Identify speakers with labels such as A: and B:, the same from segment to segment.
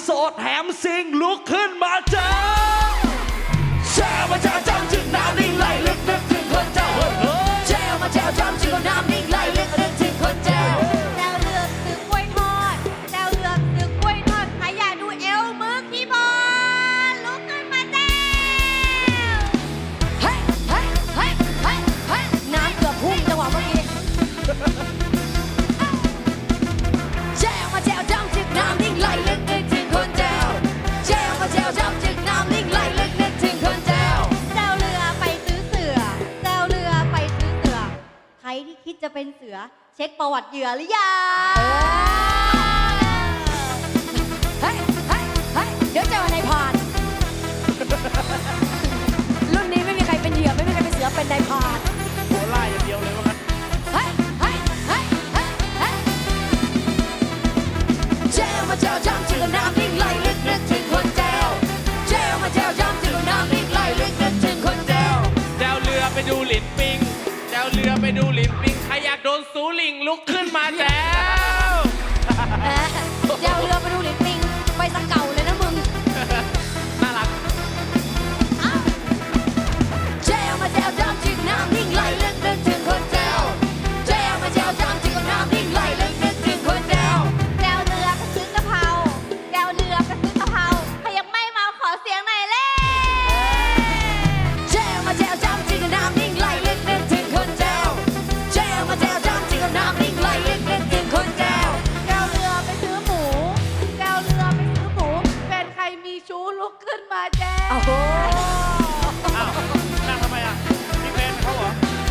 A: โสดแถมซิงลุกขึ้นมาเจอแช่มาแช่จำจึงน้ำนิ่งไหลลึกนึกถึงคนเจ้าแช่มาแช่จำจึงน้ำนิ่งไหลลึกนึกถึงคนเจ้า
B: แจวเลือกซื้อกล้วยทอดแจวเลือกซื้อกล้วยทอดใครอยากดูเอวมือคีย์บอร์ดลุกขึ้นมาแจวเฮ้ยเฮ้ยเฮ้ยเฮ้ยเฮ้ยน้ำเกือบพุ่งจังหวะเมื่อกี้แจวมาแจวจำจึงน้ำนิ่งไหลลึกนึกถึงคนเจ้าแจวมาแจวจำจึงน้ำนิ่งไหลลึกนึกถึงคนเจ้าแจวเรือไปซื้อเสือแจวเรือไปซื้อเสือใครที่คิดจะเป็นเสือเช็คประวัติเหยื่อหรือยังเฮ้ยเฮ้ยเฮ้ยเดี๋ยวเจอในพานรุ่นนี้ไม่มีใครเป็นเหยื่อไม่มีใครเป็นเสือเป็นนายพาน
C: โคล่าอย่างเดียวเลยว่างั้น
B: เฮ้ยเฮ้ยเฮ้ยเฮ้ยเฮ้ยเจลมาเจลจำจึงน้ำนิ่งไหลลึกนึกถึงคนเจลเจลมาเจลจำจึงน้ำนิ่งไหลลึกนึกถึงคนเจล
C: แจวเรือไปดูหลินปิงแจวเรือไปดูหลินปิงใครอยากโดนสูลิงลุกขึ้นมาแจว
B: เจลเรือไปดูหลินปิงไปสักเก่าเลยนะมึง
C: น่ารัก
B: เจลมาเจลจำจึงน้ำนิ่งไหลลึกนึกถึงคนเจลเจลมาเจลจำจึงน้ำนิ่งไหลลึกนึกถึงคนเจลเจลเรือไปซื้อกะเพราเจลเรือไปซื้อกะเพราใครยังไม่เมาขอเสียงหน่อยเล่เจลมาเจลจำจึงน้ำนิ่งไหลลึกนึกถึงคนเจลเจลมาเจลจำจึงน้ำนิ่งไหลลึกนึกถึงคนเจลเจลเรือไปซื้อหมูเจลเรือไปซื้อหมูเป็นใครมีชู้ลุกขึ้นมาแจล
C: อ้าวนั่งทำไมอ่ะมีแฟนเขาเหรอ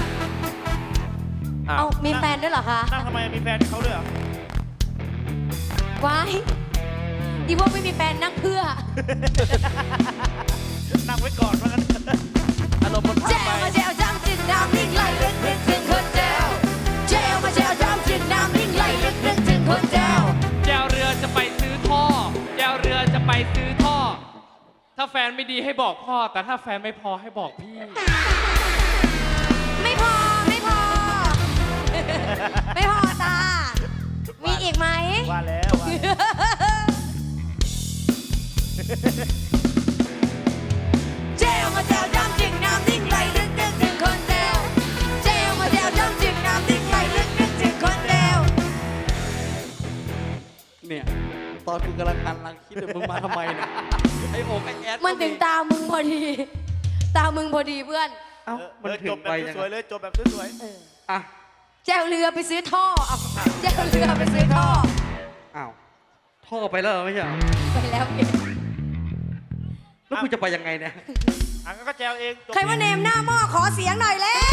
B: เอามีแฟนด้วยเหรอคะ
C: นั่งทำไมมีแฟนเขาด้วยเหรอ
B: ว้ายอีพวกไม่มีแฟนนั่งเพื่อ
C: นั่งไว้ก่อนว่างั้นอารมณ์มันพา
B: แจ
C: ไป
B: วมาแจวจำจึงน้ำนิ่งไหลลึกนึกถึงคนแจวแจวมาแจวจำจึงน้ำนิ่งไหลลึกนึกถึงคนแจว
C: แจวเรือจะไปซื้อท่อแจวเรือจะไปซื้อท่อ ถ้าแฟนไม่ดีให้บอกพ่อ แต่ถ้าแฟนไม่พอให้บอกพี่
B: ไม่พอไม่พอ ไม่พอจ้ามีอีกไหม
C: ว่าแล้วว่าแล้ว
B: แจวมาแจวจำจึงน้ำนิ่งไหลลึกนึกถึงคนแจวแจวมาแจวจำจึงน้ำนิ่งไหลลึกนึกถึงคนแจว
A: เนี่ยตอนกูกำลังคิดว่ามึงมาทำไมเนี่ยไอ้โอ๊กไอ้แอด
B: มันถึงตามึงพอดี ตามึงพอดีเพื่อน
A: เอ้ามันถึ
C: จ
A: ง
C: บ
A: ไป
C: แบบ
A: ยัง
C: สวยๆ
A: ไง
C: เลยจบแบบสวย
A: อ่ะ
B: แจวเรือไปซื้อท่อเอาแจวเรือไปซื้อท่อ
A: อ้าวท่อไปแล้วเหรอไม่ใช่เหรอ
B: ไปแล้วเอง
A: แล้วกูจะไปยังไงเนี่ย
C: ๆอ่ะงั้นก็แจวเองจบ
B: ใครว่าเนมหน้าหม้อขอเสียงหน่อยแล้ว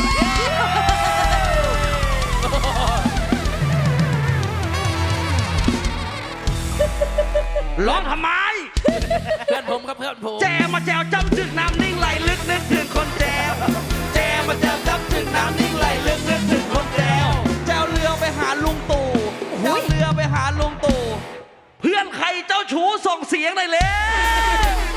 A: ร้องทำไม
C: เพื่อนผมครับเพื่อนผม
A: แจวมาแจวจำจึกน้ำนิ่งไหลลึกนึกถึงคนแจวแจวมาแจวจำจึกน้ำนิ่งไหลลึกนึกถึงคนแจวแจวเรือไปหาลุงตู่แจวเรือไปหาลุงตู่เพื่อนใครเจ้าชู้ส่งเสียงหน่อยเลย